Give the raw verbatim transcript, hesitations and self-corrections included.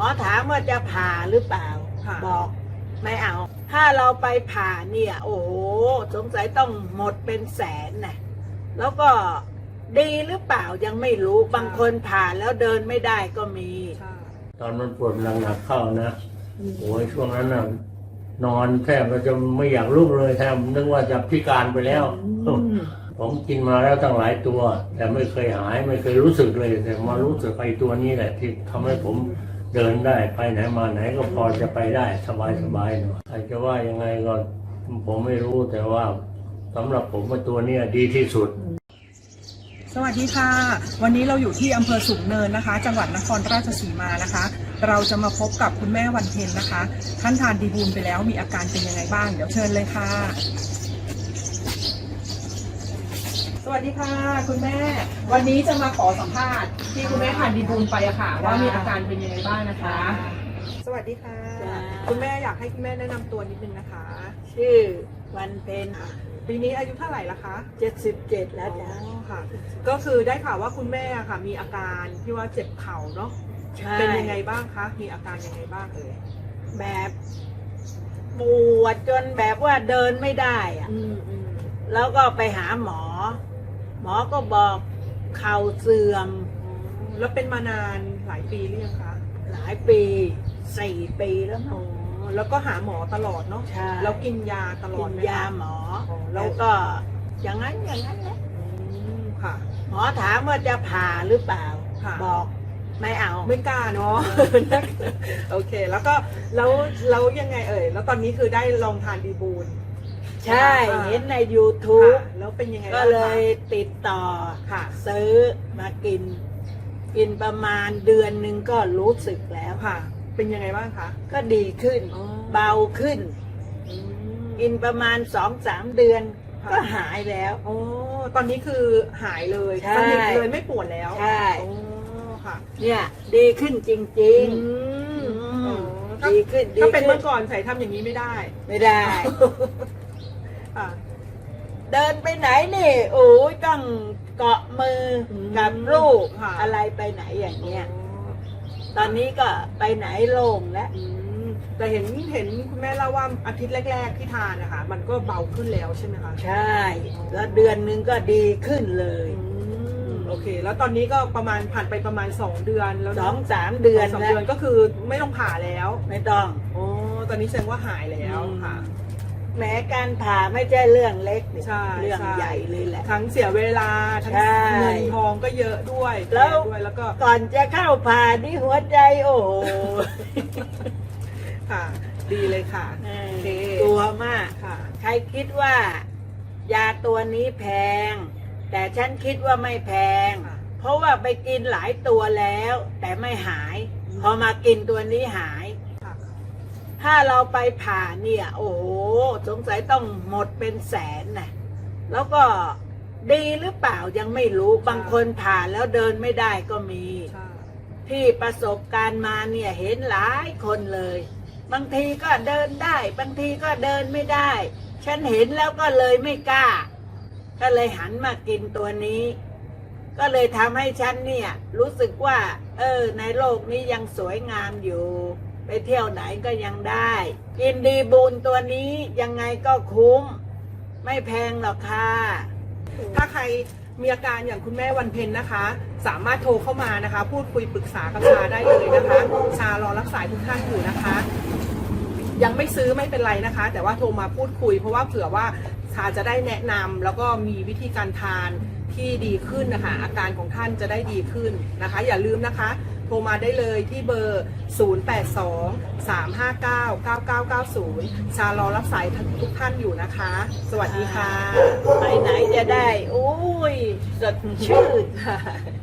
อถามว่าจะผ่าหรือเปล่าบอกไม่เอาถ้าเราไปผ่าเนี่ยโอ้โหสงสัยต้องหมดเป็นแสนนะแล้วก็ดีหรือเปล่ายังไม่รู้บางคนผ่าแล้วเดินไม่ได้ก็มีตอนมันปวดหนักๆเข้านะโอ้ยช่วงนั้นน่ะนอนแทบจะไม่อยากลุกเลยแทบนึกว่าจะพิการไปแล้วผมกินมาแล้วตั้งหลายตัวแต่ไม่เคยหายไม่เคยรู้สึกเลยแต่มารู้สึกไอ้ตัวนี้แหละที่ทำให้ผมเดินได้ไปไหนมาไหนก็พอจะไปได้สบายสบายหน่อยใครจะว่ายังไงก็ผมไม่รู้แต่ว่าสำหรับผมว่าตัวนี้ดีที่สุดสวัสดีค่ะวันนี้เราอยู่ที่อำเภอสูงเนินนะคะจังหวัดนครราชสีมานะคะเราจะมาพบกับคุณแม่วันเพ็ญนะคะท่านทานดีบูลไปแล้วมีอาการเป็นยังไงบ้างเดี๋ยวเชิญเลยค่ะสวัสดีค่ะคุณแม่วันนี้จะมาขอสัมภาษณ์ที่คุณแม่ทานดีบูลไปอะค่ะว่ามีอาการเป็นยังไงบ้างนะคะสวัสดีค่ะคุณแม่อยากให้คุณแม่แนะนำตัวนิดนึงนะคะชื่อวันเพ็ญปีนี้อายุเท่าไหร่ละคะเจ็ดสิบเจ็ดแล้วจ้ะค่ะก็คือได้ข่าวว่าคุณแม่ค่ะมีอาการที่ว่าเจ็บเข่าเนาะเป็นยังไงบ้างคะมีอาการยังไงบ้างเอ่ยแบบปวดจนแบบว่าเดินไม่ได้อะแล้วก็ไปหาหมอหมอก็บอกเข่าเสื่อมแล้วเป็นมานานหลายปีหรือยังคะหลายปีสี่ปีแล้วอ๋อแล้วก็หาหมอตลอดเนาะแล้วกินยาตลอดกินยาหมอแล้วก็อย่างนั้นอย่างนั้นแหละค่ะหมอถามว่าจะผ่าหรือเปล่าบอกไม่เอาไม่กล้าเนาะโอเคแล้วก็แล้วแล้วยังไงเอ่ยแล้วตอนนี้คือได้ลองทานดีบูลใช่เห็นใน ยูทูบแล้วเป็นยังไงก็เลยติดต่อค่ะซื้อมากินกินประมาณเดือนหนึ่งก็รู้สึกแล้วค่ะเป็นยังไงบ้างคะก็ดีขึ้นเบาขึ้นกินประมาณสองสามเดือนก็หายแล้วโอ้ตอนนี้คือหายเลยสนิทเลยไม่ปวดแล้วใช่โอ้ค่ะเนี่ยดีขึ้นจริงๆดีขึ้นถ้าเป็นเมื่อก่อนใส่ทำอย่างนี้ไม่ได้ไม่ได้เดินไปไหนนี่โอ้ยต้องเกาะมือกับลูกอะไรไปไหนอย่างเงี้ยตอนนี้ก็ไปไหนโล่งแล้วแต่เห็นเห็นคุณแม่เล่าว่าอาทิตย์แรกๆที่ทานนะคะมันก็เบาขึ้นแล้วใช่ไหมคะใช่แล้วเดือนนึงก็ดีขึ้นเลยโอเคแล้วตอนนี้ก็ประมาณผ่านไปประมาณสองเดือนแล้วสองสามเดือนสองเดือนก็คือไม่ต้องผ่าแล้วไม่ต้องโอ้ตอนนี้แสดงว่าหายแล้วค่ะแม้การผ่าไม่ใช่เรื่องเล็กเรื่องใหญ่เลยแหละทั้งเสียเวลาทั้งเงินทองก็เยอะด้วยแล้วแล้วก็ก่อนจะเข้าผ่านี่หัวใจโอ้โหค่ะดีเลยค่ะกลัวมากค่ะใครคิดว่ายาตัวนี้แพงแต่ฉันคิดว่าไม่แพงเพราะว่าไปกินหลายตัวแล้วแต่ไม่หายพอมากินตัวนี้หายถ้าเราไปผ่าเนี่ยโอ้โหสงสัยต้องหมดเป็นแสนนะแล้วก็ดีหรือเปล่ายังไม่รู้บางคนผ่าแล้วเดินไม่ได้ก็มีที่ประสบการณ์มาเนี่ยเห็นหลายคนเลยบางทีก็เดินได้บางทีก็เดินไม่ได้ฉันเห็นแล้วก็เลยไม่กล้าก็เลยหันมากินตัวนี้ก็เลยทำให้ฉันเนี่ยรู้สึกว่าเออในโลกนี้ยังสวยงามอยู่ไปเที่ยวไหนก็ยังได้กินดีบูลตัวนี้ยังไงก็คุ้มไม่แพงหรอกค่ะถ้าใครมีอาการอย่างคุณแม่วันเพ็ญนะคะสามารถโทรเข้ามานะคะพูดคุยปรึกษากับชาได้เลยนะคะชารอรับสายทุกท่านอยู่นะคะยังไม่ซื้อไม่เป็นไรนะคะแต่ว่าโทรมาพูดคุยเพราะว่าเผื่อว่าชาจะได้แนะนำแล้วก็มีวิธีการทานที่ดีขึ้นนะคะอาการของท่านจะได้ดีขึ้นนะคะอย่าลืมนะคะโทรมาได้เลยที่เบอร์ศูนย์ แปด สอง สาม ห้า เก้า เก้า เก้า เก้า ศูนย์ชารอรับสายทุกท่านอยู่นะคะสวัสดีค่ะไปไหนจะได้โอ้ยสดชื่น